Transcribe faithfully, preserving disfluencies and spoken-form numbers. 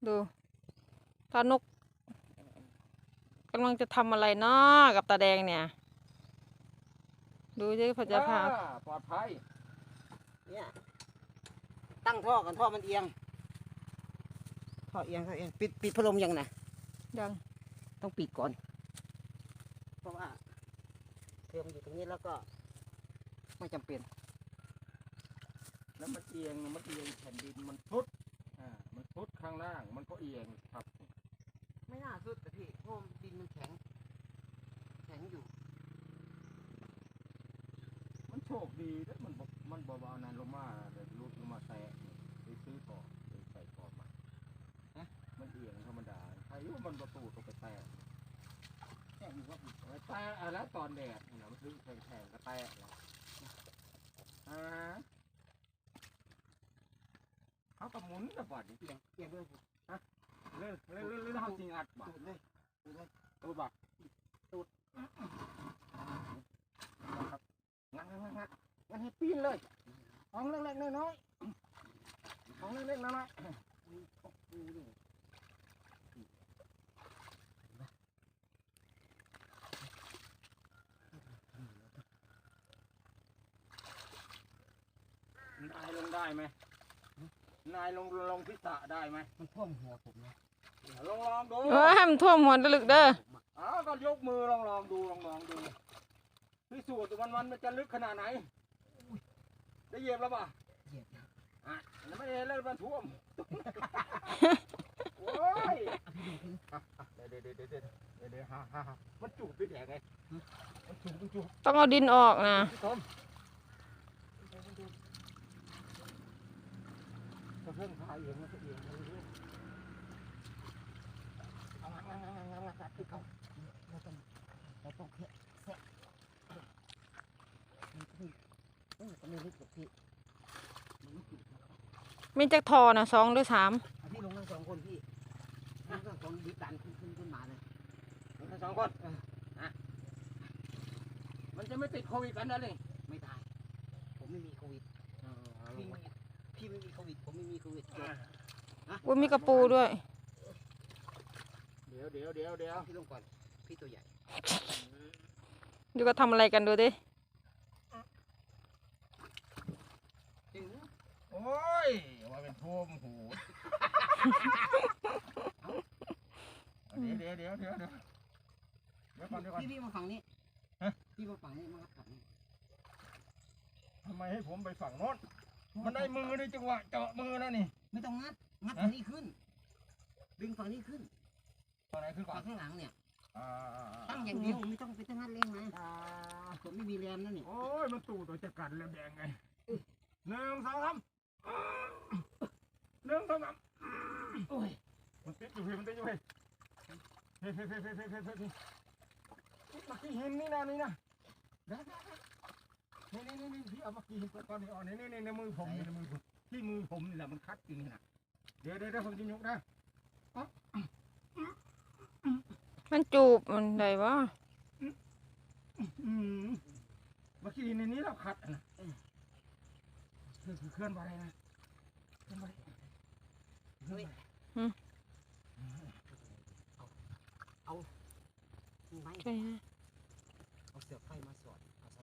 ดูตานกกำลังจะทำอะไรเนาะกับตาแดงเนี่ยดูสิพอจะพาปลอดภัยเนี่ยตั้งท่อกันท่อมันเอียงท่อเอียงท่อเอียงปิดปิดพัดลมยังนะยังต้องปิดก่อนเพราะว่าเครื่องมันอยู่ตรงนี้แล้วก็ไม่จำเป็นแล้วมันเอียงมันเอียงแผ่นดินมันทุดอ่ามันทุดข้างล่างมันก็เอียงครับไม่น่าสุดแต่พี่เพราะดินมันแข็งแข็งอยู่มันโชคดีแล้วมันมันเบาๆนานลงมาเดี๋ยวรุดลงมาแตะไปซื้อต่อไปใส่ต่อมาฮะมันเอียงธรรมดาใครรู้มันประตูตกไปแตะแตะอยู่ว่าแตะแล้วตอนแดดนะมันซื้อแข็งๆก็แตะแล้วอ่าเขากระหมุนกระบอดเอียงเอียงเลยฮะเล่นเล่นเล่นเล่นเขาจริงอัดบ่เลยเลยตัวบักตูดงัดงัดงัดงัดให้ปีนเลยของเล็กๆน้อยๆของเล็กๆน้อยๆนายลงได้ไหมนายลงลงพิษะได้ไหมมันท่วมหัวผมนะลองลองดูเออให้มันท่วมหัวตะลึกเด้ออ้าวก็ยกมือลองลองดูลองลองดูพิสูจน์วันวันมันจะลึกขนาดไหนได้เหยียบแล้วป่ะเหยียบอ่ะไม่เห็นเลยมันท่วมโอ้ยเดี๋ยวเดี๋ยวเดี๋ยวเดี๋ยวเดี๋ยวเดี๋ยวฮ่าฮ่ามันจูบไปแดกไงมันจูบมันจูบต้องเอาดินออกนะเพิ่งพายเองมันเองมันเรื่องเอางางงางงางงาที่เขาเราต้องเราต้องแค่แค่มันก็ไม่เออก็ไม่ลึกหรอกพี่มันไม่ลึกมีจักทอนะสองหรือสามพี่ลงทั้งสองคนพี่ทั้งสองดิบดันขึ้นขึ้นขึ้นมาเลยลงทั้งสองคนอ่ะมันจะไม่ติดโควิดกันนะเลยไม่ตายผมไม่มีโควิดพี่ไม่พี่ไม่มีโควิดผมไม่มีโควิดอุ้ยมีกระปูด้วยเดี๋ยวเดี๋ยวเดี๋ยวเดี๋ยวพี่ลงก่อนพี่ตัวใหญ่ดูก็ทำอะไรกันดูดิโอ้ยว่าเป็นท่วมหูเดี๋ยวเดี๋ยวเดี๋ยวเดี๋ยวเดี๋ยวก่อนเดี๋ยวก่อนพี่พี่มาฝั่งนี้พี่มาฝั่งนี้มาฝั่งนี้ทำไมให้ผมไปฝั่งโน้นมันได้มือในจังหวะเจาะมือแล้วนี่ไม่ต้องงัดงัดฝั่งนี้ขึ้นดึงฝั่งนี้ขึ้นฝั่งไหนขึ้นก่อนข้างหลังเนี่ยตั้งอย่างเดียวไม่ต้องไปตั้งงัดเร่งนะผมไม่มีแรงนั่นนี่โอ้ยมันตู่ตัวจะกัดแล้วแดงไงหนึ่งสองสามหนึ่งสองสามโอ้ยมันติดอยู่เฮ้ยมันติดอยู่เฮ้ยเฮ้ยเฮ้ยเฮ้ยเฮ้ยเฮ้ยเฮ้ยเฮ้ยมากี่หินนี่นะนี่นะนี่นี่นี่นี่พี่เอามากี่หินก่อนนี่อ๋อนี่นี่ในมือผมนี่ในมือผมที่มือผมนี่แหละมันคัดจริงนะเดี๋ยวเดี๋ยวผมจะยกนะมันจูบมันได้วะมากี่หินในนี้เราคัดนะคือเคลื่อนไปนะเคลื่อนไปเฮ้ยเอาเอาไม้เอาเสือไฟมาสอด